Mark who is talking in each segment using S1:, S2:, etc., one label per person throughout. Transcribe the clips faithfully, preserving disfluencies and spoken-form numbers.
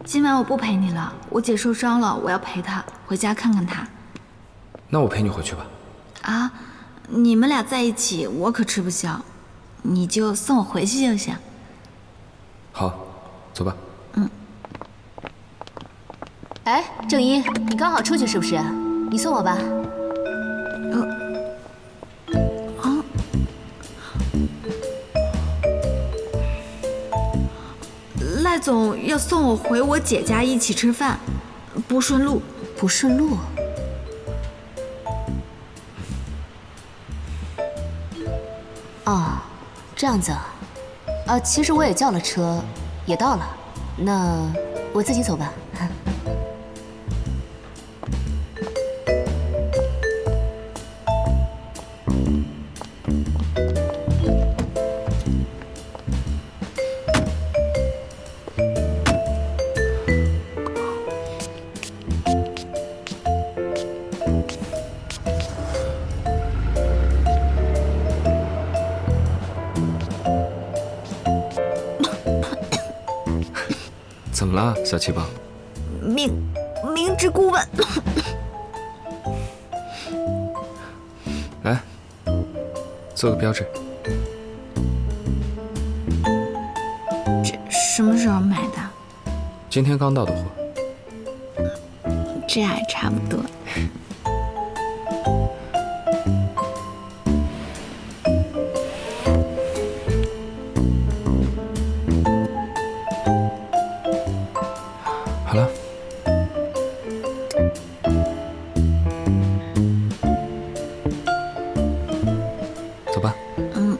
S1: 今晚我不陪你了，我姐受伤了，我要陪她回家看看她。
S2: 那我陪你回去吧。
S1: 啊，你们俩在一起，我可吃不消，你就送我回去就行。
S2: 好，走吧。
S1: 嗯。
S3: 哎，正一，你刚好出去是不是？你送我吧。
S1: 呃。 赖总要送我回我姐家一起吃饭，不顺路。
S3: 不顺路？哦，这样子啊。啊，其实我也叫了车，也到了。那我自己走吧。
S2: 怎么了，小气棒？
S1: 明明知故问。
S2: 来，做个标志。
S1: 这什么时候买的？
S2: 今天刚到的货。
S1: 这还差不多。
S2: 好了，走吧。
S1: 嗯。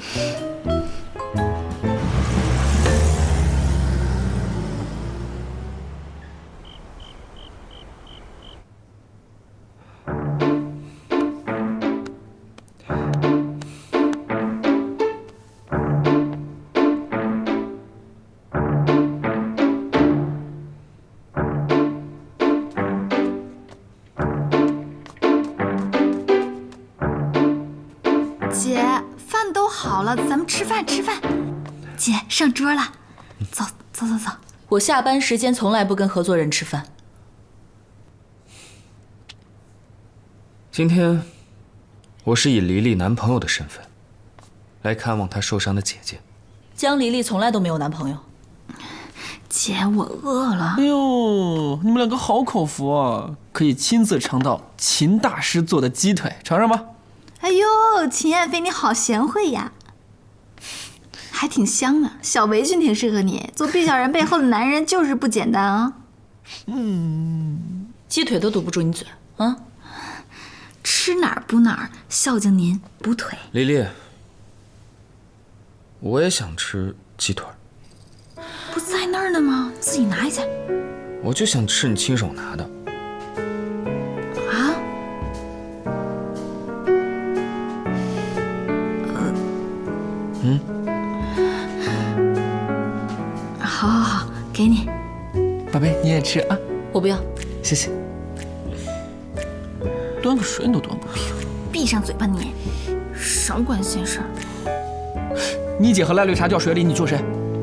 S1: 姐，饭都好了，咱们吃饭吃饭。姐，上桌了，走走走走。
S4: 我下班时间从来不跟合作人吃饭。
S2: 今天，我是以黎黎男朋友的身份，来看望她受伤的姐姐。
S4: 江黎黎从来都没有男朋友。
S1: 姐，我饿了。
S5: 哎呦，你们两个好口福啊！可以亲自尝到秦大师做的鸡腿，尝尝吧。
S1: 哎呦，秦燕飞，你好贤惠呀，还挺香啊。小围裙挺适合你，做毕小然背后的男人就是不简单啊。
S4: 嗯，鸡腿都堵不住你嘴啊。
S1: 吃哪儿补哪儿，孝敬您补腿。
S2: 黎黎，我也想吃鸡腿。
S1: 不在那儿呢吗？自己拿一下。
S2: 我就想吃你亲手拿的。
S1: 啊？
S2: 嗯，
S1: 好，好，好，给你。
S5: 宝贝，你也吃啊？
S4: 我不要，
S5: 谢谢。端个水你都端不平。
S1: 闭上嘴巴你，少管闲事儿。
S5: 你姐和赖绿茶掉水里，你救谁？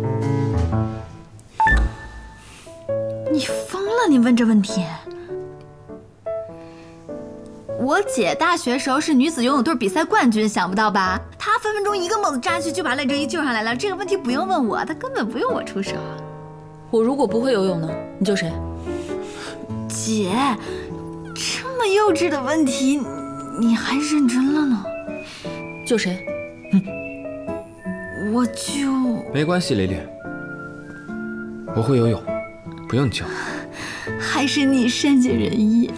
S1: 你疯了？你问这问题？我姐大学时候是女子游泳队比赛冠军，想不到吧？她分分钟一个猛子扎去就把赖正一救上来了。这个问题不用问我，她根本不用我出手。
S4: 我如果不会游泳呢？你救谁？
S1: 姐，这么幼稚的问题，你还认真了呢？
S4: 救谁？
S1: 我就……
S2: 没关系，黎黎，我会游泳，不用你救。
S1: 还是你善解人意。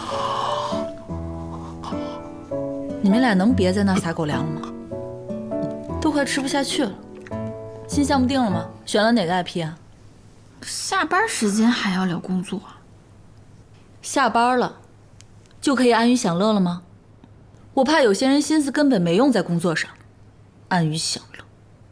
S4: 你们俩能别在那撒狗粮了吗？都快吃不下去了。新项目定了吗？选了哪个 I P 啊？
S1: 下班时间还要聊工作？
S4: 下班了，就可以安于享乐了吗？我怕有些人心思根本没用在工作上，安于享乐。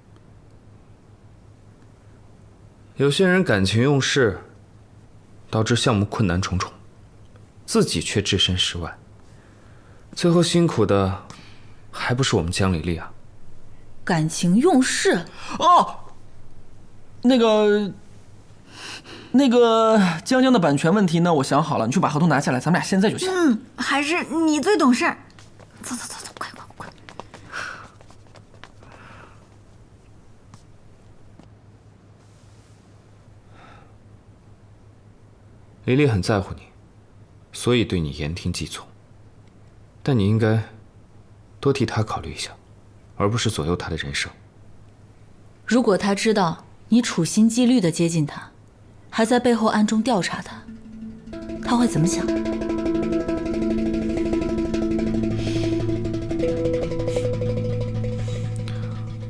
S2: 有些人感情用事，导致项目困难重重，自己却置身事外，最后辛苦的还不是我们江黎黎啊？
S4: 感情用事？
S5: 哦，那个， 那个江江的版权问题呢，我想好了，你去把合同拿下来，咱们俩现在就签。
S1: 嗯，还是你最懂事儿。走走走走，快快快！
S2: 黎黎很在乎你，所以对你言听计从。但你应该多替她考虑一下，而不是左右她的人生。
S4: 如果他知道你处心积虑地接近他，还在背后暗中调查他，他会怎么想？